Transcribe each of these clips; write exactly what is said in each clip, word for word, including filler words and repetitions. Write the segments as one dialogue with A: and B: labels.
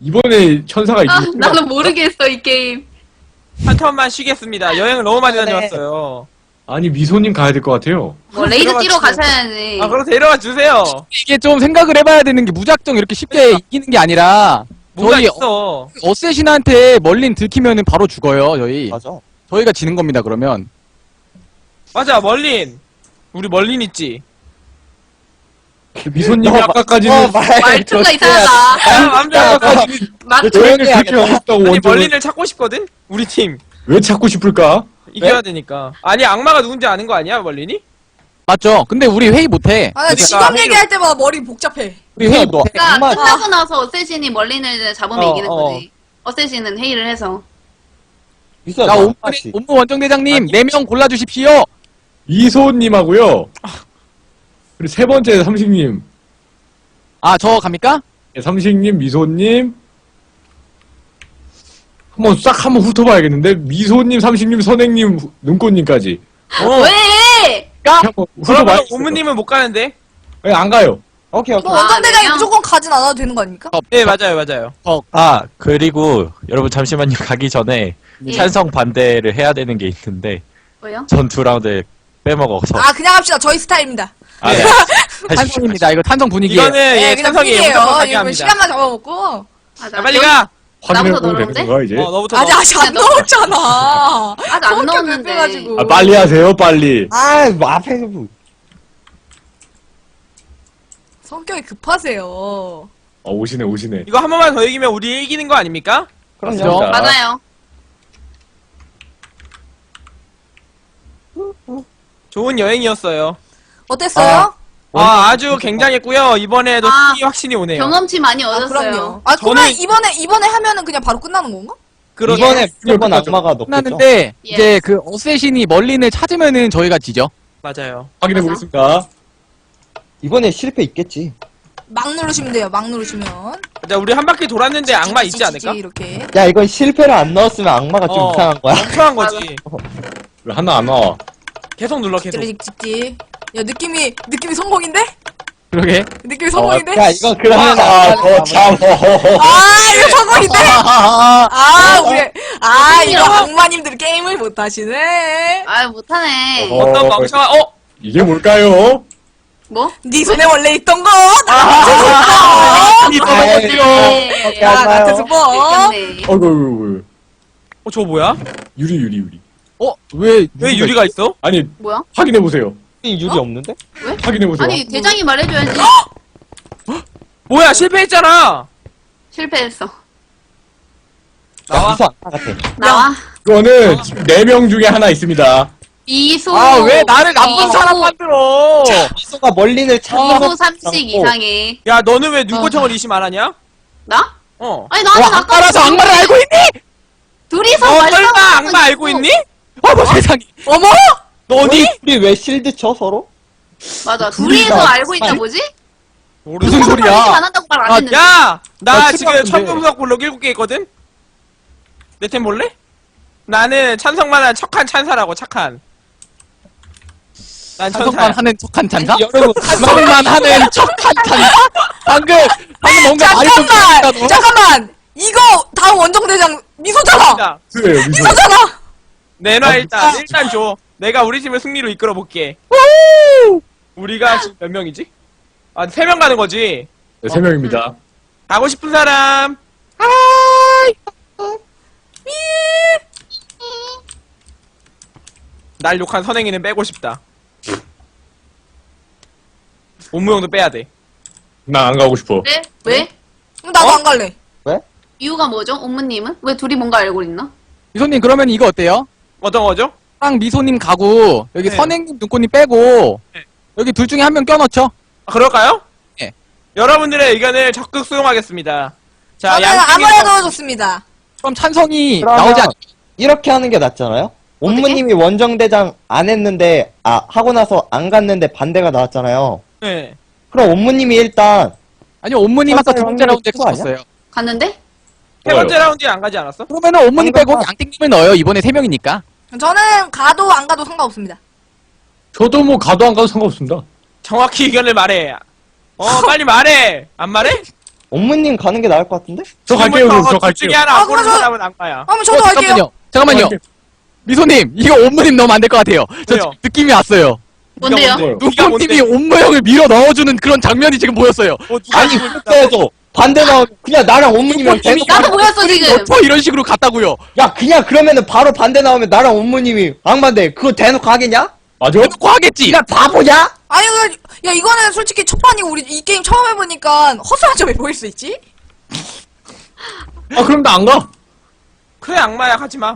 A: 이번에 천사가
B: 아,
A: 이기고
B: 나는 모르겠어 이 게임.
C: 한 턴만 쉬겠습니다. 여행을 너무 많이 다녀왔어요.
A: 아니 미소님 가야 될 것 같아요.
B: 뭐 레이드
C: 들어가
B: 뛰러
C: 주세요.
B: 가셔야지.
C: 아, 그럼 데려가 주세요.
D: 이게 좀 생각을 해봐야 되는 게 무작정 이렇게 쉽게
C: 그러니까.
D: 이기는 게 아니라
C: 뭐가
D: 저희
C: 있어.
D: 어쌔신한테 멀린 들키면은 바로 죽어요. 저희
E: 맞아.
D: 저희가 지는 겁니다. 그러면
C: 맞아, 멀린. 우리 멀린 있지.
A: 미소님이
E: 너 마-
A: 아까까지는
E: 어, 말
B: 말투가
E: 좋지.
B: 이상하다.
C: 아, 안 돼.
A: 아까까지
B: 말
A: 여행을
E: 조용히
A: 그렇게 하고 싶다고
C: 아니,
A: 원정을
C: 멀린을 찾고 싶거든? 우리 팀.
A: 왜 찾고 싶을까?
C: 이겨야 되니까. 아니, 악마가 누군지 아는 거 아니야, 멀린이?
D: 맞죠? 근데 우리 회의 못해.
F: 아, 나
C: 그러니까
F: 직업
C: 회의로-
F: 얘기할 때마다 머리 복잡해.
D: 우리 회의
E: 너
D: 못해.
B: 그러니까
E: 악마
B: 끝나고 나서 어쌔신이 멀린을 잡으면
C: 어,
B: 이기는
C: 어.
B: 거지. 어쌔신은 회의를 해서.
E: 있어.
D: 자, 옴무,
E: 악마씨.
D: 옴무 원정대장님
C: 아니,
D: 네 명 골라주십시오.
A: 미소님하고요. 그리고 세 번째 삼식님,
D: 아, 저 갑니까?
A: 예, 삼식님, 미소님. 한번 싹 한번 훑어봐야겠는데 미소님, 삼식님, 선행님, 후- 눈꽃님까지
C: 어.
B: 왜?
A: 한번
C: 그러면
A: 훑어봐야겠어요.
C: 오무님은 못 가는데?
A: 예, 안 가요.
E: 오케이 오케이.
F: 뭐 원정대장이
B: 네 명?
F: 무조건 가진 않아도 되는 거 아닙니까?
C: 네, 맞아요, 맞아요.
G: 아, 그리고 여러분 잠시만요. 가기 전에
B: 예.
G: 찬성 반대를 해야 되는 게 있는데
B: 뭐요?
G: 전 두 라운드 빼먹어서.
F: 아, 그냥 합시다. 저희 스타일입니다.
G: 아, 네.
D: 탄성입니다. 이거 탄성 분위기예요.
C: 이거는
F: 네,
C: 예,
F: 그냥
C: 찬성이 무조건
F: 분위기예요.
C: 가게
F: 이거
C: 합니다.
F: 시간만 잡아먹고.
B: 아,
C: 자, 빨리 가!
A: 확인해
B: 나부터
A: 보면 되는
B: 넣었는데?
A: 건가 이제?
C: 어, 너부터
F: 아직
C: 넣어.
F: 아직 안
B: 야, 너-
F: 넣었잖아.
B: 아직 안 넣었는데.
F: 빼가지고.
A: 아, 빨리 하세요, 빨리.
E: 아, 뭐 앞에서 뭐.
F: 성격이 급하세요.
A: 어, 오시네, 오시네.
C: 이거 한 번만 더 이기면 우리 이기는 거 아닙니까?
E: 그럼요.
D: 그렇죠.
B: 맞아요.
C: 좋은 여행이었어요.
F: 어땠어요?
C: 아, 아주 굉장했고요. 이번에도
B: 아,
C: 승리 확신이 오네요.
B: 경험치 많이
F: 아,
B: 얻었어요.
F: 그럼요. 아, 그러면
C: 저는-
F: 이번에 이번에 하면은 그냥 바로 끝나는 건가?
C: 그러
E: 이번에 무조건
A: 끝났죠.
E: 악마가 넣겠죠.
D: 끝났는데
B: 예.
D: 이제 그 어쌔신이 멀린을 찾으면은 저희가 지죠.
C: 맞아요.
A: 확인해
B: 맞아.
A: 보겠습니다.
E: 이번에 실패 있겠지.
F: 막 누르시면 돼요. 막 누르시면.
C: 자, 우리 한 바퀴 돌았는데 악마 있지
F: 찌찌찌찌
C: 않을까?
F: 이렇게.
E: 야, 이건 실패를 안 넣었으면 악마가 좀
C: 어.
E: 이상한 거야.
C: 멍청한 거지.
A: 왜 하나 안 나와?
C: 계속 눌러, 계속.
F: 찌찌찌찌. 야, 느낌이 느낌이 성공인데?
D: 그러게.
F: 느낌이 성공인데?
E: 야, 이거 그러면
A: 아, 더 참.
F: 아, 이거 성공인데? 아, 우리 아, 이거
B: 아니요.
F: 악마님들 게임을 못 하시네.
B: 아, 못하네.
A: 어.
C: 어떤 멍청한, 어?
A: 이게 뭘까요?
B: 뭐?
F: 네 손에 원래 있던 거. 나
C: 아,
D: 이
A: 아,
B: 네.
F: 야,
E: 맞아요.
F: 나한테 스포.
B: 느꼈네.
A: 어이구, 어이구,
C: 어, 저거 뭐야?
A: 유리, 유리, 유리.
D: 어? 왜?
C: 왜 유리가 있어?
A: 아니,
B: 뭐야?
A: 확인해 보세요.
E: 유리
B: 어?
E: 없는데?
A: 확인해 보세요.
B: 아니, 대장이 말해줘야지.
C: 뭐야, 실패했잖아!
B: 실패했어.
C: 나와.
E: 무슨 악마 같아.
B: 나와.
A: 이거는 지금 네 명 중에 하나 있습니다.
B: 이소.
D: 아, 왜 나를 나쁜
B: 이소.
D: 사람 만들어?
E: 미소가 멀린을 찾는
B: 이소 삼식 이상해.
C: 야, 너는 왜 눈꽃형을 의심 안 하냐?
B: 나?
C: 어.
B: 아니, 나는
D: 와,
B: 아까
D: 악마라서 악마를 알고 있니?
B: 둘이서
C: 어,
B: 말싸움을
C: 설마
B: 하고
C: 악마 알고
B: 있어.
C: 있니?
D: 어머 세상에.
F: 어머!
C: 너니?
E: 우리 왜 실드 쳐 서로?
B: 맞아.
E: 둘이
B: 둘이서
E: 다
B: 알고 있다
E: 아니?
B: 뭐지?
D: 무슨
B: 누구도
D: 소리야?
B: 말리지 안 한다고 말 안
D: 아,
B: 했는데.
C: 야! 나
D: 나
C: 지금
D: 출발인데.
C: 천금석 볼록 일곱 개 있거든? 내 템 볼래? 나는 찬성만한 척한 찬사라고, 착한. 난
D: 찬성만
C: 천사야.
D: 하는 척한 찬사?
E: 여러분,
D: 찬성만 하는 척한 찬사? 방금 방금 뭔가 말이 좀
F: 잠깐만!
D: 그랬다, 너.
F: 잠깐만! 이거 다음 원정대장 미소잖아!
C: 자,
A: 그래요, 미소.
F: 미소잖아!
C: 내놔,
A: 아,
C: 일단. 일단 줘. 내가 우리 팀을 승리로 이끌어 볼게. 우리가 지금 몇 명이지? 아, 세 명 가는 거지?
A: 네, 세 명입니다.
C: 가고 싶은 사람? 날 욕한 선행이는 빼고 싶다. 옴무형도 빼야 돼.
A: 나 안 가고 싶어.
B: 왜? 왜?
F: 그럼 나도
C: 어?
F: 안 갈래.
B: 이유가 뭐죠? 옴무님은? 왜 둘이 뭔가 알고 있나?
D: 미소님 그러면 이거 어때요?
C: 어떤 거죠?
D: 랑 미소님 가고 여기
C: 네.
D: 선행님 눈꽃님 빼고
C: 네.
D: 여기 둘 중에 한 명 껴넣죠.
C: 아, 그럴까요?
D: 예.
C: 여러분들의 의견을 적극 수용하겠습니다. 자,
F: 저는
C: 양쪽에서-
F: 아무래도 좋습니다.
D: 그럼 찬성이
E: 그러면-
D: 나오지 않.
E: 이렇게 하는 게 낫잖아요? 옴무님이 원정대장 안 했는데, 아, 하고 나서 안 갔는데 반대가 나왔잖아요.
C: 네.
E: 그럼 옴무님이 일단,
D: 아니요, 온무님 아까 두 번째
E: 찬성이
D: 라운드에
E: 그거 아니야?
D: 찍었어요.
B: 갔는데?
C: 세 번째 라운드에 안 가지 않았어?
D: 그러면은 온무님 빼고
E: 방금
D: 양띵님을 넣어요. 이번에 세 명이니까.
F: 저는 가도 안 가도 상관없습니다.
A: 저도 뭐 가도 안 가도 상관없습니다.
C: 정확히 의견을 말해. 어, 빨리 말해. 안 말해?
E: 옴무님 가는 게 나을 것 같은데?
A: 저 갈게요, 그럼 저
C: 둘
A: 갈게요.
C: 중에 하나
F: 아,
C: 안 고른
F: 그래서-
C: 사람은 악마야.
F: 그럼 저도
D: 어,
F: 할게요.
D: 잠깐만요. 잠깐만요.
A: 갈게요.
D: 미소님, 이거 옴무님 넣으면 안 될 것 같아요. 저
C: 왜요?
D: 지금 느낌이 왔어요.
B: 뭔데요?
A: 뭐요?
C: 네가
D: 눈꽃님이
C: 뭔데?
D: 옴무형을 밀어 넣어주는 그런 장면이 지금 보였어요.
C: 뭐 누가
E: 아니,
C: 누굴
E: 그렇게 해서 반대 나오면 그냥 나랑 옴무님이랑 계속.
B: 나도 보였어 지금.
D: 저 이런 식으로 갔다고요.
E: 야, 그냥 그러면은 바로 반대 나오면 나랑 옴무님이 악마인데 그거 대놓고 하겠냐?
A: 맞아?
D: 대놓고 하겠지.
E: 야, 바보냐?
F: 아니, 그, 야, 이거는 솔직히 첫 판이고, 우리 이 게임 처음 해보니까 허술한 점이 보일 수 있지?
A: 아, 그럼 나 안 가.
C: 그래 악마야 가지마.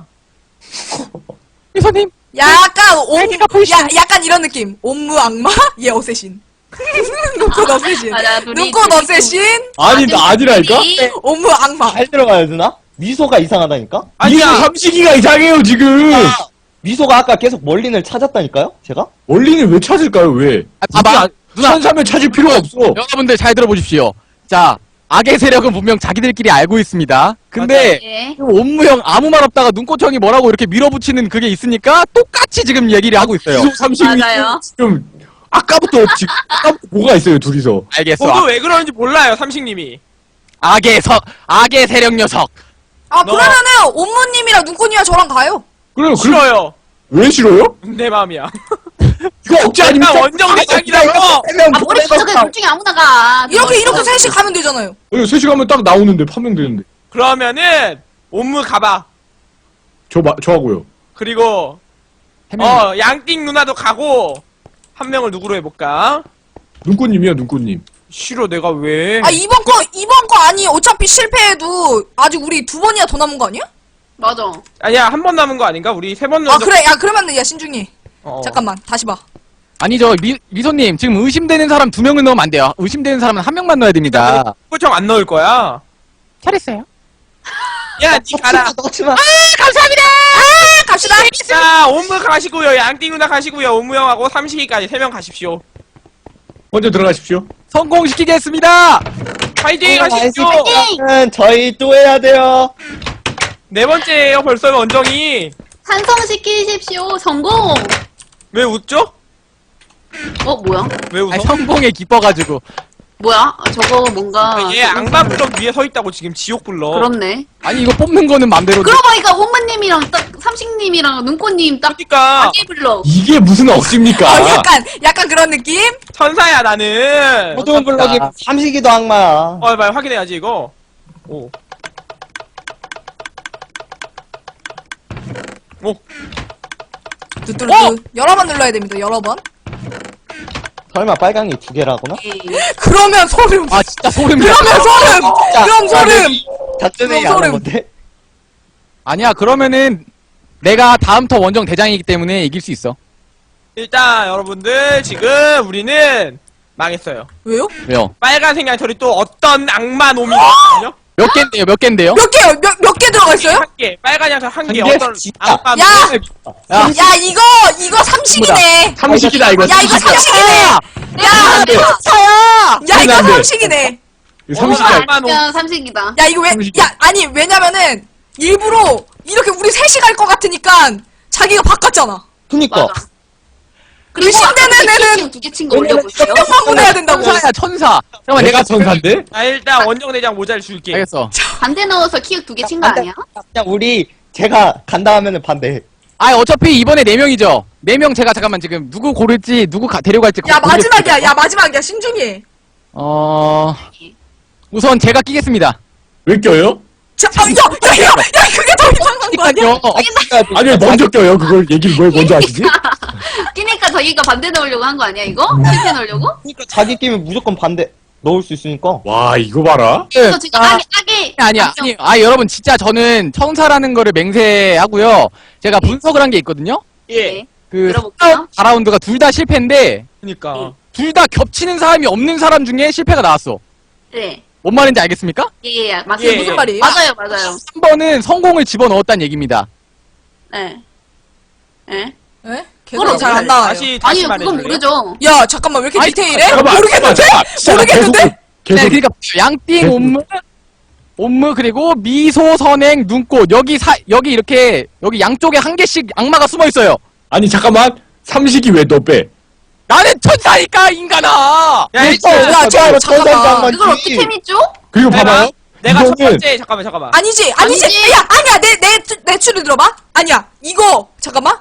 D: 미소님.
F: 약간 옴,
D: 날개가 보이시나요?
F: 야, 약간 이런 느낌. 옴무 악마? 얘 어쌔신. 눈꽃 어쌔신.
B: 맞아, 둘이
F: 눈꽃
B: 둘이
F: 어쌔신?
A: 아니, 나 아니라니까?
B: 둘이
F: 옴무 악마.
E: 잘 들어가야 되나? 미소가 이상하다니까?
A: 미소
C: 아니야.
A: 삼식이가 이상해요, 지금.
E: 아, 미소가 아까 계속 멀린을 찾았다니까요? 제가?
A: 원리는 왜 찾을까요, 왜?
D: 아, 봐봐. 누나.
A: 천사면 찾을 필요가 없어.
D: 여러분들 잘 들어보십시오. 자, 악의 세력은 분명 자기들끼리 알고 있습니다. 근데
B: 예.
D: 옴무형 아무 말 없다가 눈꽃형이 뭐라고 이렇게 밀어붙이는 그게 있으니까 똑같이 지금 얘기를 하고 있어요.
A: 미소 삼식이
B: 맞아요.
A: 지금 아까부터 지금 아까부터 뭐가 있어요, 둘이서.
D: 알겠어.
C: 저도 왜 그러는지 몰라요 삼식님이.
D: 악의 석, 악의 세력 녀석.
F: 아,
C: 너-
F: 그러면은 옴무님이랑 눈꽃님이랑 저랑 가요.
A: 그래요, 그,
C: 싫어요.
A: 왜 싫어요?
C: 내 마음이야.
A: 이거 억지 아닙니까?
C: 나 원정 대장이라고.
B: 아 머리 찾아가 둘 중에 아무나 가.
F: 이렇게, 이렇게 셋이 가면 되잖아요.
A: 세 시간면 딱 나오는데, 판명되는데.
C: 그러면은 옴무 가봐.
A: 저, 마, 저 하고요.
C: 그리고
D: 해명.
C: 어 양띵 누나도 가고 한 명을 누구로 해볼까?
A: 눈꽃님이야, 눈꽃님.
C: 싫어 내가 왜?
F: 아, 이번 거, 이번 거 아니. 어차피 실패해도 아직 우리 두 번이나 더 남은 거 아니야?
B: 맞아.
C: 아니야 한 번 남은 거 아닌가? 우리 세 번
F: 아,
C: 남은.
F: 그래. 야, 그러면은, 야, 신중히.
C: 어.
F: 잠깐만, 다시 봐.
D: 아니죠. 미, 미소님, 지금 의심되는 사람 두 명을 넣으면 안 돼요. 의심되는 사람은 한 명만 넣어야 됩니다.
C: 그쵸 안 넣을 거야.
D: 잘했어요.
C: 야, 니 가라.
E: 넣지 마.
F: 감사합니다! 아, 갑시다!
C: 자, 옴무 가시고요. 양띵 누나 가시고요. 옴무 형하고 삼식이까지 세 명 가십시오.
A: 먼저 들어가십시오.
D: 성공시키겠습니다.
C: 파이팅
E: 어,
C: 하십시오.
E: 는 저희 또 해야 돼요.
C: 네 번째예요. 벌써 원정이.
B: 산성시키십시오. 성공.
C: 왜 웃죠?
B: 어 뭐야?
C: 왜 웃어?
D: 아니, 성공에 기뻐가지고.
B: 뭐야? 아, 저거 뭔가.
C: 얘 악마 블럭 위에 서 있다고 지금 지옥 블럭.
B: 그렇네.
D: 아니, 이거 뽑는 거는 맘대로.
B: 그러고 보니까 옴무님이랑 딱 삼식님이랑 눈꽃님 딱
C: 그러니까
B: 아기 블럭.
A: 이게 무슨 억지입니까?
F: 어, 약간, 약간 그런 느낌?
C: 천사야 나는.
E: 모든 블럭이 삼식이도 악마야.
C: 어, 말 확인해야지 이거. 오. 오.
F: 뚜뚜루뚜.
C: 어?
F: 여러 번 눌러야 됩니다, 여러 번.
E: 설마 빨강이 두 개라구나?
B: 예.
F: 그러면 소름.
D: 아, 진짜 소름이야.
F: 그러면 소름!
E: 자,
F: 그럼 소름!
E: 작전회의
F: 그럼
E: 안
F: 소름.
E: 한 건데?
D: 아니야, 그러면은 내가 다음 터 원정 대장이기 때문에 이길 수 있어.
C: 일단 여러분들 지금 우리는 망했어요.
F: 왜요?
D: 왜요?
C: 빨간색 양털이 또 어떤 악마 놈이거든요.
D: 몇 개인데요, 몇 개인데요?
F: 몇 개요? 몇, 몇 개 들어가 있어요?
C: 한 개. 빨간 양털 한 개.
E: 한 개?
C: 어떤
E: 진짜.
C: 악마 놈.
F: 야!
D: 야,
F: 야, 이거, 이거 삼식이네.
A: 삼식이다, 이거.
F: 야, 이거 삼식이네. 야,
A: 안 돼.
F: 차야! 야, 이거
A: 안 돼.
F: 삼식이네.
A: 이거
C: 어느
A: 삼식이야.
C: 악마 놈.
B: 진짜 삼식이다.
F: 야, 이거 왜,
A: 삼식이.
F: 야, 아니, 왜냐면은, 일부러, 이렇게 우리 셋이 갈 것 같으니까, 자기가 바꿨잖아.
E: 그니까.
B: 맞아. 그리고
F: 의심되는 애는
B: 두개 친 거 올려보세요.
F: 몇 방문해야 된다고.
D: 천사야, 천사. 잠깐만,
A: 내가
D: 내가
A: 천사인데?
C: 자 일단 원정 대장 모자를 줄게.
D: 알겠어.
B: 반대 넣어서 키읔 두 개 친 거
E: 반대-
B: 아니야?
E: 그냥 우리 제가 간다 하면은 반대.
D: 아, 어차피 이번에 네 명이죠. 네 명 제가 잠깐만 지금 누구 고를지, 누구 가, 데려갈지.
F: 야,
D: 고르겠습니다.
F: 마지막이야. 야, 마지막이야. 신중히 해.
D: 어, 우선 제가 끼겠습니다.
A: 왜 껴요?
F: 자, 아, 야, 야, 야, 야, 그게 더 이상한 거 아니야?
D: 요
A: 아니, 왜 먼저 껴요? 그걸 얘기를 왜 먼저 하시지?
B: 끼니까 저기가 반대 넣으려고 한 거 아니야 이거? 실패 넣으려고?
E: 그러니까 자기 끼면 무조건 반대 넣을 수 있으니까.
A: 와, 이거 봐라.
B: 그래서 지금
D: 아,
B: 아기 아기
D: 아니야, 아니, 아, 여러분, 진짜 저는 천사라는 거를 맹세하고요. 제가 분석을 한 게 있거든요.
C: 예.
D: 그,
B: 들어볼게요.
D: 사 라운드가 둘 다 실패인데,
C: 그니까.
D: 둘 다 겹치는 사람이 없는 사람 중에 실패가 나왔어.
B: 네.
D: 뭔 말인지 알겠습니까?
B: 예예 예, 맞아요.
C: 예,
F: 무슨
C: 예.
F: 말이에요?
B: 맞아요 맞아요.
D: 한 번은 성공을 집어넣었다는 얘기입니다.
B: 네. 네.
F: 에?
B: 그걸
F: 개소리 잘안 나와요.
C: 다시 다시
B: 아니요 그건
C: 말해줄래요?
B: 모르죠.
F: 야, 잠깐만, 왜 이렇게
D: 아니,
F: 디테일해?
A: 잠깐만,
F: 모르겠는데?
A: 잠깐만, 진짜 나
F: 모르겠는데?
A: 계속, 계속.
D: 네, 그러니까 양띵,
A: 계속.
D: 옴무, 옴무 그리고 미소, 선행, 눈꽃 여기 사 여기 이렇게 여기 양쪽에 한 개씩 악마가 숨어 있어요.
A: 아니, 잠깐만. 삼식이 왜 너 빼?
D: 나는 천사니까 인간아.
C: 야,
F: 어,
C: 일단
F: 야, 저, 잠깐만.
B: 이걸 어떻게 믿죠?
A: 그리고
C: 내가,
A: 봐봐요.
C: 내가 첫
A: 이거는
C: 번째 잠깐만 잠깐만.
F: 아니지, 아니지.
B: 아니지.
F: 야, 아니야. 내, 내, 내 추를 들어봐. 아니야. 이거, 잠깐만.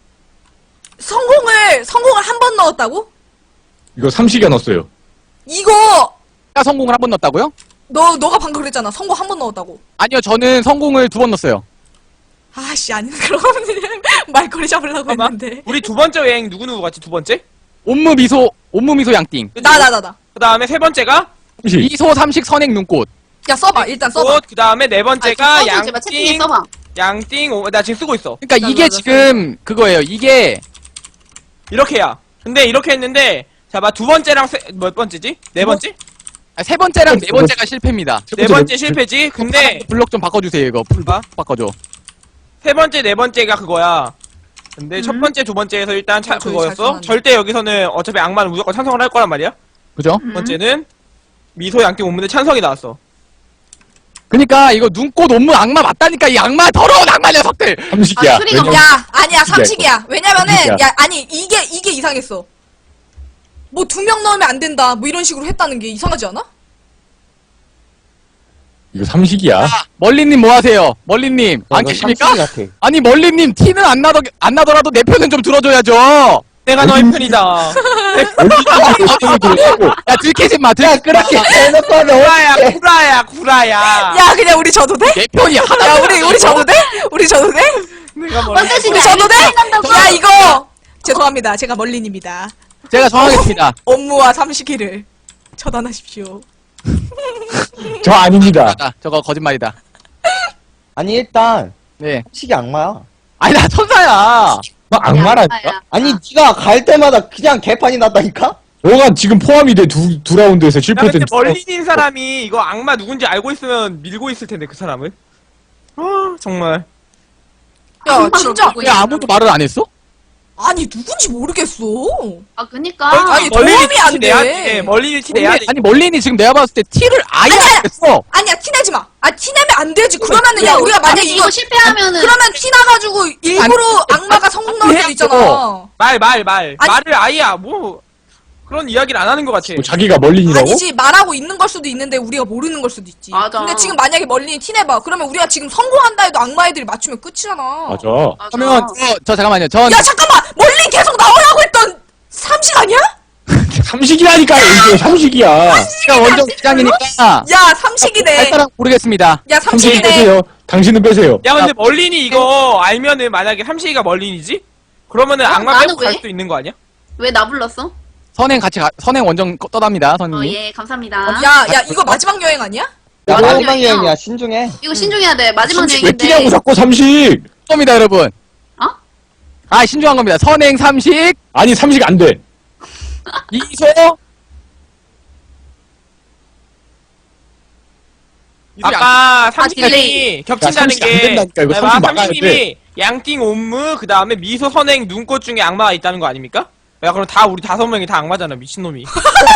F: 성공을, 성공을 한 번 넣었다고?
A: 이거 삼식이가 넣었어요.
F: 이거,
D: 제가 성공을 한 번 넣었다고요?
F: 너, 너가 방금 그랬잖아. 성공 한 번 넣었다고.
D: 아니요, 저는 성공을 두 번 넣었어요.
F: 아씨, 아니, 그러면 말거리 잡으려고
C: 잠깐만.
F: 했는데.
C: 우리 두 번째 여행 누구 누구 같이 두 번째?
D: 옴무 미소, 옴무 미소 양띵.
F: 나, 나, 나, 나.
C: 그 다음에 세 번째가
A: 삼식.
D: 미소 삼식 선행 눈꽃.
F: 야, 써봐. 일단 써봐.
C: 꽃. 그 다음에 네 번째가
B: 아, 제발 채팅에
C: 양띵.
B: 써봐.
C: 양띵. 오, 나 지금 쓰고 있어.
D: 그러니까
F: 나,
D: 이게
F: 나, 나,
D: 지금 그거예요. 이게
C: 이렇게야. 근데 이렇게 했는데 자봐 두 번째랑 세, 몇 번째지? 네 번째?
D: 아, 세 번째랑 네 번째가 실패입니다.
C: 네 번째 실패지. 근데
D: 블록 좀 바꿔주세요. 이거 블록
C: 봐.
D: 바꿔줘.
C: 세 번째, 네 번째가 그거야. 근데 첫
B: 음.
C: 번째, 두 번째에서 일단 차,
F: 어, 저기 잘
C: 그거였어.
F: 써놨네.
C: 절대 여기서는 어차피 악마는 무조건 찬성을 할 거란 말이야.
D: 그죠?
B: 음.
C: 두 번째는 미소 양띵 옴문에 찬성이 나왔어.
D: 그러니까 이거 눈꽃 옴무 악마 맞다니까 이 악마 더러운 악마 녀석들.
A: 삼식이야.
B: 아, 소리가
A: 왜냐면
F: 야, 아니야,
A: 삼식이야,
F: 삼식이야. 왜냐면은,
A: 삼식이야.
F: 야, 아니, 이게, 이게 이상했어. 뭐 두 명 넣으면 안 된다. 뭐 이런 식으로 했다는 게 이상하지 않아?
A: 이거 삼식이야.
D: 멀리님 뭐 하세요? 멀리님 안
E: 이거
D: 계십니까?
E: 삼식이 같아.
D: 아니 멀리님 티는 안 나더 안 나더라도 내 편은 좀 들어줘야죠.
C: 내가 너의 편이다.
A: 열심히 들었고.
D: 야 들키지 마. 들키
E: 그렇게 해놓고 하면
C: 구라야,
E: 어떡해.
C: 구라야, 구라야.
F: 야, 그냥 우리 져도 돼?
D: 내 편이 하나.
F: 야, 우리, 우리 져도 돼? 우리 져도 돼?
C: 내가 뭘.
B: 완전
F: 우리
B: 진짜
F: 져도 돼?
B: 난다고.
F: 야, 이거! 죄송합니다. 제가 멀린입니다.
D: 제가 정하겠습니다.
F: 업무와 삼식이를 처단하십시오.
A: 저 아닙니다.
D: 아, 저거 거짓말이다.
E: 아니 일단
D: 네.
E: 삼식이 악마야.
D: 아니 나 천사야.
A: 너 악마라니까?
B: 야,
E: 아니 네가 갈 때마다 그냥 개판이 났다니까?
A: 너가 지금 포함이 돼 두 두 라운드에서
C: 야, 근데
A: 실패된.
C: 멀리인 사람이 이거 악마 누군지 알고 있으면 밀고 있을 텐데, 그 사람을. 아, 정말.
F: 야,
B: 악마로
F: 진짜.
B: 보고
D: 왜 아무도 말을 안 했어?
F: 아니, 누군지 모르겠어.
B: 아, 그니까.
F: 아니,
C: 멀리인
F: 도움이 안
C: 티 내야
F: 돼.
C: 돼. 멀리인 티 내야 돼.
D: 아니 멀린이 지금 내가 봤을 때 티를 아예
F: 아니야,
D: 안 했어.
F: 아니야, 티내지 마. 아, 티내면 안 되지. 그러면은, 야, 우리가 만약에
B: 아니,
F: 이거,
B: 이거 실패하면은.
F: 그러면 티나가지고 일부러 악마가 성공 넣을 수도 있잖아.
C: 말, 말, 말.
F: 아니-
C: 말을 아예, 뭐, 그런 이야기를 안 하는 것 같아.
A: 뭐 자기가 멀린이라고?
F: 아니지, 말하고 있는 걸 수도 있는데 우리가 모르는 걸 수도 있지.
B: 맞아.
F: 근데 지금 만약에 멀린이 티내봐. 그러면 우리가 지금 성공한다 해도 악마 애들이 맞추면 끝이잖아.
A: 맞아.
B: 맞아.
D: 그러면 저, 저 잠깐만요. 전
F: 야, 잠깐만! 멀린 계속 나오라고 했던 삼식 아니야?
A: 삼식이라니까요. 이게 삼식이야.
D: 제가 원정 기장이니까
F: 야, 삼식이네.
D: 할 사람 모르겠습니다.
F: 야,
A: 삼식이
F: 삼식이네.
A: 빼세요. 당신은 빼세요.
C: 야, 근데 멀린이 이거 알면은 만약에 삼식이가 멀린이지? 그러면은
B: 어,
C: 악마
B: 나는
C: 빼고 갈
B: 왜?
C: 수도 있는 거 아니야?
B: 왜 나 불렀어?
D: 선행 같이 가, 선행 원정 꺼- 떠납니다.
B: 어,
D: 선생님.
B: 예, 감사합니다.
F: 야, 야, 이거 마지막 여행 아니야?
E: 야
B: 맞아.
E: 마지막 여행이야 신중해.
B: 이거 신중해야 돼. 마지막
A: 삼식 왜
B: 여행인데.
A: 끼냐고 자꾸 삼식.
D: 겁니다, 여러분.
B: 어?
D: 아, 신중한 겁니다. 선행 삼식,
A: 아니 삼식 안 돼.
D: 미소,
C: 아까
B: 아,
C: 삼식님이
B: 딜레이.
C: 겹친다는
A: 삼식 안
C: 게
A: 된다니까, 이거
C: 봐봐,
A: 삼식 막아야
C: 삼식님이 양띵 옴무 그 다음에 미소 선행 눈꽃 중에 악마가 있다는 거 아닙니까? 야 그럼 다 우리 다섯 명이 다 악마잖아 미친놈이.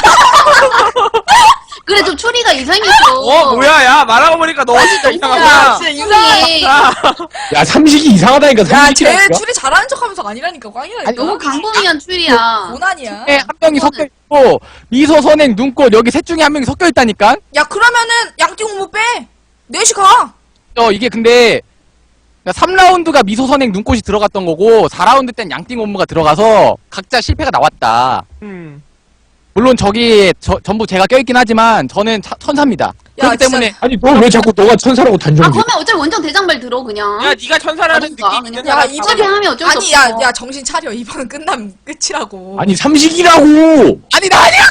B: 그래, 좀 추리가 이상했어.
C: 어 뭐야 야 말하고 보니까 너 진짜
B: 야,
C: 이상하구나.
F: 진짜 이상해.
A: 야 삼식이 이상하다니까.
F: 야, 쟤
A: 삼식이라니까.
F: 추리 잘하는 척 하면서 아니라니까, 꽝이라니까.
B: 너무 강범위한 추리야.
F: 고난이야.
D: 에, 한 명이 섞여 있고, 미소, 선행, 눈꽃, 여기 셋 중에 한 명이 섞여 있다니까?
F: 야, 그러면은 양띵 못 빼. 넷이 가.
D: 어, 이게 근데, 삼 라운드가 미소, 선행, 눈꽃이 들어갔던 거고, 사 라운드 땐 양띵 옴무가 들어가서, 각자 실패가 나왔다.
C: 음.
D: 물론 저기, 저, 전부 제가 껴있긴 하지만, 저는 차- 천사입니다.
F: 야,
D: 그렇기 때문에,
A: 아니 너 왜 자꾸 너가 천사라고
B: 아,
A: 단정지?
B: 그러면 어차피 원정 대장발 들어, 그냥.
C: 야 네가 천사라는
B: 그러니까,
C: 느낌
B: 그냥.
C: 있는
F: 야,
C: 사람
F: 이번-
C: 다
B: 어차피 하면 어쩔 수
F: 아니,
B: 없어.
F: 야, 야, 정신 차려. 이번은 끝나면 끝이라고.
A: 아니 삼식이라고.
D: 아니, 나 아니야!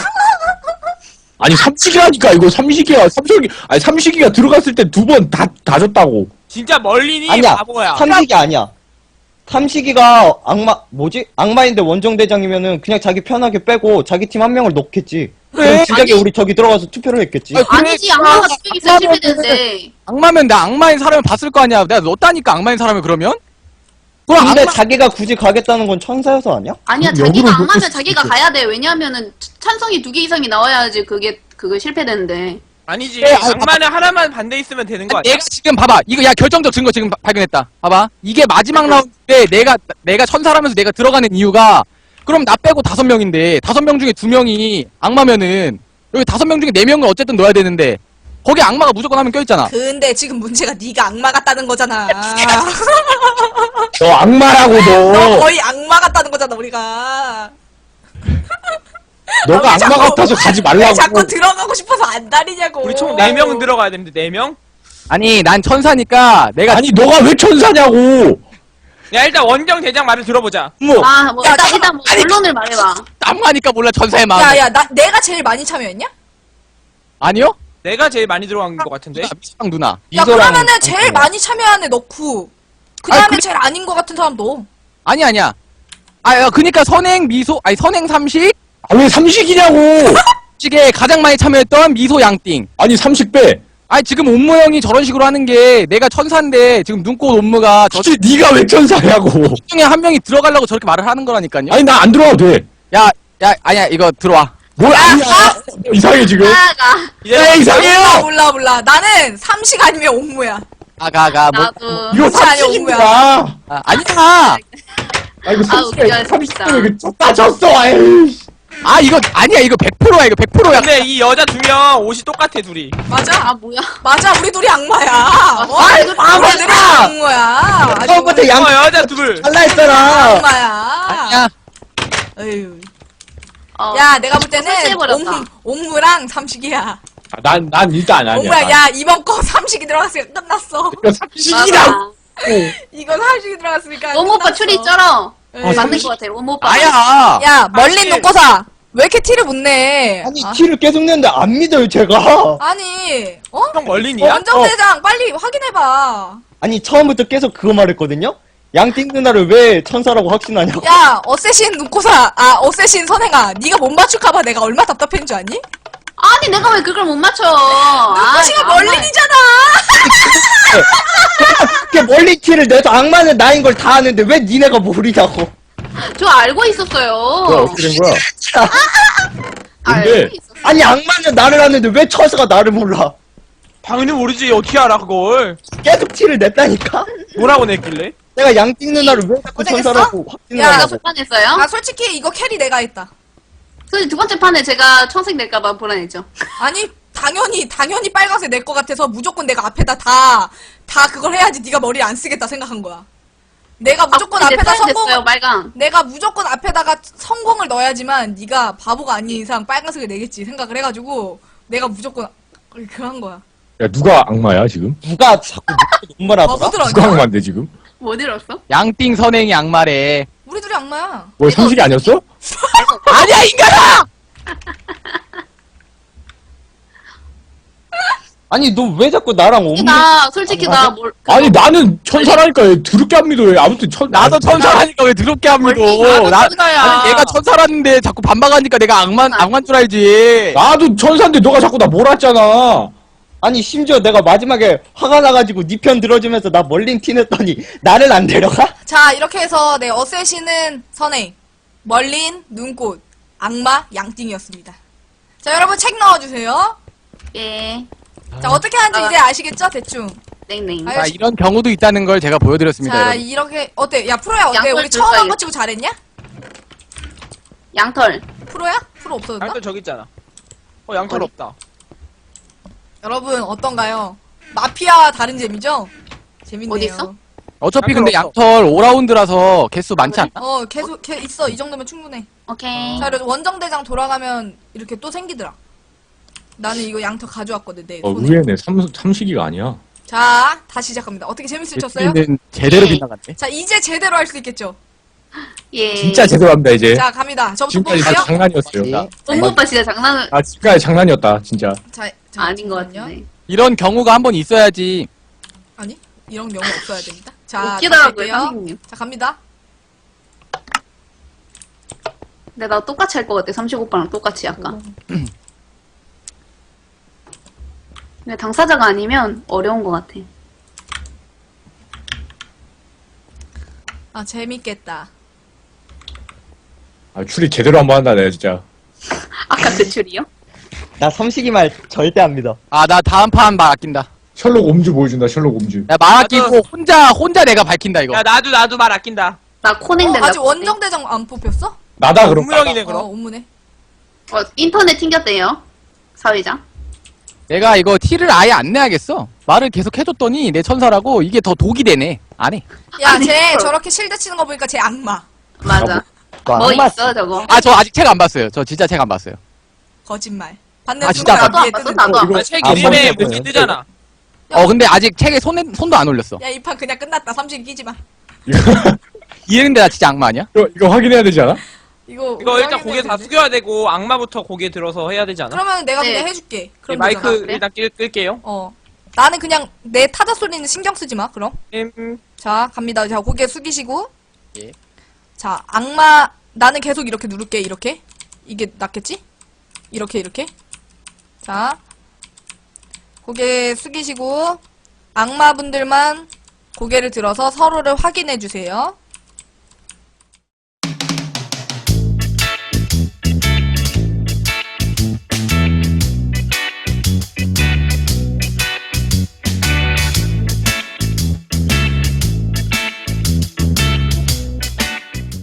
A: 아니 삼식이라니까 이거 삼식이야. 삼식이 아니 삼식이가 들어갔을 때 두 번 다 다 졌다고.
C: 진짜 멀린이
E: 아니야
C: 바보야.
E: 삼식이 아니야. 삼식이가 악마 뭐지? 악마인데 원정대장이면은 그냥 자기 편하게 빼고 자기 팀 한 명을 넣겠지. 그럼 진작에
B: 아니.
E: 우리 저기 들어가서 투표를 했겠지.
D: 아니,
B: 아니지, 악마가 두 명 있어야 실패되는데.
D: 악마면 나 악마인 사람을 봤을 거 아니야. 내가 넣었다니까, 악마인 사람을 그러면? 그럼
E: 근데
D: 악마,
E: 자기가 굳이 가겠다는 건 천사여서 아니야?
B: 아니야,
A: 그럼
B: 자기가
A: 역으로
B: 악마면
A: 놓고
B: 자기가
A: 싶어.
B: 가야 돼. 왜냐하면은 찬성이 두 개 이상이 나와야지 그게, 그거 실패되는데.
C: 아니지.
D: 에, 아니,
C: 악마는 하나만 반대 있으면 되는 거 아니야?
D: 내가 지금 봐봐. 이거 야 결정적 증거 지금 바- 발견했다. 봐봐. 이게 마지막
B: 네.
D: 라운드 때 내가 내가 천사라면서 내가 들어가는 이유가 그럼 나 빼고 다섯 명인데 다섯 명 중에 두 명이 악마면은 여기 다섯 명 중에 네 명을 어쨌든 넣어야 되는데 거기 악마가 무조건 하면 껴있잖아.
F: 근데 지금 문제가 네가 악마 같다는 거잖아.
A: 너 악마라고
F: 너
A: 너.
F: 거의 악마 같다는 거잖아 우리가.
A: 너가
F: 아, 왜
A: 악마
F: 자꾸-
A: 같아서 가지
F: 왜
A: 말라고.
F: 자꾸 들어가고 싶어서 안 다니냐고.
C: 우리 총 네 명은 들어가야 되는데 네 명?
D: 아니 난 천사니까 내가
A: 아니 너가 왜 천사냐고.
C: 야 일단 원정 대장 말을 들어보자.
A: 뭐
B: 아, 뭐
F: 야,
B: 일단
F: 잠깐만.
B: 일단 뭐 본론을 말해봐.
D: 악마니까 몰라 천사의 마음.
F: 야야 나 내가 제일 많이 참여했냐?
D: 아니요?
C: 내가 제일 많이 들어간 것 같은데.
D: 미소랑 누나.
F: 야
A: 미소랑
F: 그러면은 제일
A: 앙코야.
F: 많이 참여한 애 넣고 그 다음에
D: 아니, 그-
F: 제일 아닌 것 같은 사람 넣어.
D: 아니 아니야. 아 야, 그니까 선행 미소 아니 선행 삼식
A: 아, 왜 삼식이냐고.
D: 식에 가장 많이 참여했던 미소 양띵.
A: 아니 삼식 빼.
D: 아니 지금 옴무 형이 저런 식으로 하는 게 내가 천사인데 지금 눈꽃 옴무가 저
A: 진짜 네가 왜 천사냐고.
D: 중에 한 명이 들어가려고 저렇게 말을 하는 거라니까요.
A: 아니 나 안 들어와도 돼.
D: 야, 야, 아니야 이거 들어와.
A: 뭘 아니야. 이상해 지금.
B: 나가.
A: 야 이상해요.
F: 몰라 몰라 몰라. 나는 삼식 아니면 옴무야.
D: 아가가 뭐.
B: 나도.
A: 이거
F: 진짜 아니야,
A: 삼식인
F: 오무야.
A: 거야.
D: 아, 아니야.
A: 아 이거
B: 아, 웃겨,
A: 삼식이야. 삼식
B: 진짜.
A: 때문에 이거 졌다 졌어. 에이.
D: 아 이거 아니야 이거 백 퍼센트야 이거 백 퍼센트야.
C: 근데 이 여자 두 명 옷이 똑같아 둘이.
F: 맞아.
B: 아, 뭐야.
F: 맞아 우리 둘이 악마야. 어?
B: 아,
F: 우리
B: 악마야.
F: 둘이 악마야. 아주
E: 처음부터 양
C: 어 여자 둘.
E: 잘라 했잖아.
F: 악마야.
D: 아니야.
F: 어휴.
B: 어.
F: 야 내가 볼 때는
B: 설치해버렸다.
F: 옴, 옴무랑 삼식이야.
A: 난난 난 일단 아니야.
F: 옴무야 야 이번 거 삼식이 들어갔으니까 끝났어.
A: 이거 삼식이라고.
B: 맞아.
F: 이거 삼식이 들어갔으니까
B: 오모 오빠
F: 끝났어.
B: 추리 쩔어.
F: 에이.
B: 맞는
A: 삼십.
B: 것 같아. 오모 오빠.
D: 아야.
F: 야 멀린
C: 삼식.
F: 놓고사 왜 이렇게 티를 못 내?
E: 아니
F: 아,
E: 티를 계속 내는데 안 믿어요 제가.
F: 아니 어?
C: 형 멀린이야?
F: 원정대장 빨리 확인해봐.
E: 아니 처음부터 계속 그거 말했거든요. 양띵 누나를 왜 천사라고 확신하냐고.
F: 야 어쌔신 눈코사 아 어쌔신 선행아 네가 못 맞출까봐 내가 얼마 나 답답한 줄 아니?
B: 아니, 내가 왜 그걸 못 맞춰.
F: 눈코시가
B: 아,
F: 멀린이잖아.
E: 이렇게 멀리 티를 내서 악마는 나인 걸 다 아는데 왜 니네가 모르냐고.
B: 저 알고 있었어요.
A: 뭐야 어떻게 된 거야?
B: 알고
A: 근데-
B: 있었어.
E: 아니 악마는 나를 아는데 왜 천사가 나를 몰라.
C: 당연히 모르지 어떻게 알아 그걸.
E: 계속 티를 냈다니까.
C: 뭐라고 냈길래?
E: 내가 양띵 누나를 왜 자꾸
F: 고생했어?
E: 천사라고
B: 제가
E: 확신하냐고.
B: 두 판 했어요.
F: 아 솔직히 이거 캐리 내가 했다.
B: 솔직히 두 번째 판에 제가 청색 낼까봐 불안했죠.
F: 아니 당연히 당연히 빨간색 낼 것 같아서 무조건 내가 앞에다 다 다 그걸 해야지 네가 머리 안 쓰겠다 생각한 거야. 내가 무조건
B: 아, 이제
F: 앞에다
B: 타임 됐어요,
F: 성공
B: 빨강.
F: 내가 무조건 앞에다가 성공을 넣어야지만 네가 바보가 아닌 이상 빨간색을 내겠지 생각을 해가지고 내가 무조건 그거 한 거야.
A: 야 누가 악마야 지금?
E: 누가 자꾸 눈물 하더라.
F: 바보들
A: 누가
F: 아니야?
A: 악마인데 지금?
B: 뭐 들었어?
D: 양띵 선행이 악마래.
F: 우리 둘이 악마야.
A: 뭐 삼식이 아니었어?
D: 아니야 인간아.
E: 아니 너 왜 자꾸 나랑 옴무.
B: 나 솔직히 나 뭘.
A: 아니 나는 천사라니까 왜 더럽게 안 믿어. 왜 아무튼 천
D: 나도 천사라니까 왜 더럽게 안 믿어?
B: 나도
D: 나
B: 천사야.
D: 아니 얘가 천사라는데 자꾸 반박하니까 내가 악만 악만 줄 알지.
A: 나도 천사인데 너가 자꾸 나 몰았잖아.
E: 아니 심지어 내가 마지막에 화가 나가지고 니 편 들어주면서 나 멀린 티 냈더니 나를 안 데려가?
F: 자 이렇게 해서 네 어쌔신은 선행, 멀린, 눈꽃, 악마, 양띵이었습니다. 자 여러분 책 넣어주세요.
B: 예.
F: 자 어떻게 하는지
B: 아.
F: 이제 아시겠죠 대충.
B: 땡땡.
F: 아유,
D: 자 이런 경우도 있다는 걸 제가 보여드렸습니다.
F: 자
D: 여러분.
F: 이렇게 어때? 야 프로야 어때?
B: 양털
F: 우리 처음 한
B: 줄까요?
F: 거 치고 잘했냐?
B: 양털.
F: 프로야? 프로 없어졌나?
C: 양털 저기 있잖아. 어 양털
B: 어디?
C: 없다.
F: 여러분 어떤가요? 마피아와 다른 재미죠? 재밌네요.
B: 어디 있어?
D: 어차피
C: 양털
D: 근데
C: 없어.
D: 양털 오 라운드라서 개수 많지
B: 그래?
D: 않나?
F: 어 계속 개 있어 이 정도면 충분해.
B: 오케이.
F: 자 그래도 원정대장 돌아가면 이렇게 또 생기더라. 나는 이거 양털 가져왔거든 내
A: 어
F: 손에.
A: 의외네. 삼 삼식이가 아니야.
F: 자 다시 시작합니다. 어떻게 재밌을 쳤어요?
D: 는 제대로
B: 예.
D: 빗나갔네.
F: 자 이제 제대로 할 수 있겠죠?
B: 예.
A: 진짜 제대로 합니다 이제.
F: 자 갑니다. 저부터
A: 지금까지 다
F: 볼게요.
A: 장난이었어요.
B: 오모 오빠 진짜 장난을.
A: 아 지금까지 장난이었다 진짜.
F: 자, 자
B: 아닌 것
F: 잠깐만요.
B: 같은데.
D: 이런 경우가 한 번 있어야지.
F: 아니 이런 경우 없어야 됩니다. 자
B: 웃기더라고요,
F: 갈게요.
B: 선생님.
F: 자 갑니다.
B: 근데 나 똑같이 할 것 같아. 삼십 오빠랑 똑같이 약간. 근데 당사자가 아니면 어려운 것 같아.
F: 아 재밌겠다.
A: 아 추리 제대로 한번 한다 내가 진짜.
B: 아까 대출이요?
E: 나 삼식이 말 절대 안 믿어.
D: 아 나 다음 판 말 아낀다.
A: 셜록 옴즈 보여준다 셜록 옴즈.
D: 야 말 아끼고 혼자 혼자 내가 밝힌다 이거.
C: 야 나도 나도 말 아낀다.
B: 나 코냉
F: 어,
B: 된다.
F: 아직 원정대장 안 뽑혔어?
A: 나다
C: 아,
A: 그럼.
C: 운무형이네
F: 어
C: 그럼.
F: 온무네.
B: 어, 인터넷 튕겼대요. 사회자.
D: 내가 이거 티를 아예 안 내야겠어. 말을 계속 해줬더니 내 천사라고 이게 더 독이 되네. 안 해.
F: 야,
B: 아니,
F: 쟤
B: 그럼.
F: 저렇게 실드 치는 거 보니까 쟤 악마.
B: 맞아.
E: 그
B: 뭐
E: 악마
B: 있어 저거?
D: 아, 저 아직 책 안 봤어요. 저 진짜 책 안 봤어요.
F: 거짓말. 받는
D: 아, 진짜
F: 순간
B: 나도 안
F: 위에
B: 봤어,
F: 뜨는
B: 나도
F: 거.
B: 안
A: 이거-
C: 아, 책
E: 아,
C: 이름에
E: 선생님.
C: 뭐지 뜨잖아.
D: 어, 근데 아직 책에 손에, 손도 안 올렸어.
F: 야, 이 판 그냥 끝났다. 삼식이 끼지 마.
D: 이랬는데 나 진짜 악마 아니야?
A: 이거, 이거 확인해야 되지 않아?
F: 이거
C: 이거
F: 우리
C: 일단
F: 확인해야
C: 고개 다
F: 되는데.
C: 숙여야 되고 악마부터 고개 들어서 해야 되지 않아?
F: 그러면 내가
B: 네.
F: 그냥 해줄게.
C: 네,
F: 그럼
C: 마이크
F: 되잖아.
B: 그래?
C: 일단 끌, 끌게요.
F: 어. 나는 그냥 내 타자 소리는 신경 쓰지 마. 그럼.
C: 음,
F: 자, 갑니다. 자, 고개 숙이시고.
D: 예.
F: 자, 악마 나는 계속 이렇게 누를게. 이렇게. 이게 낫겠지? 이렇게 이렇게. 자. 고개 숙이시고 악마분들만 고개를 들어서 서로를 확인해 주세요.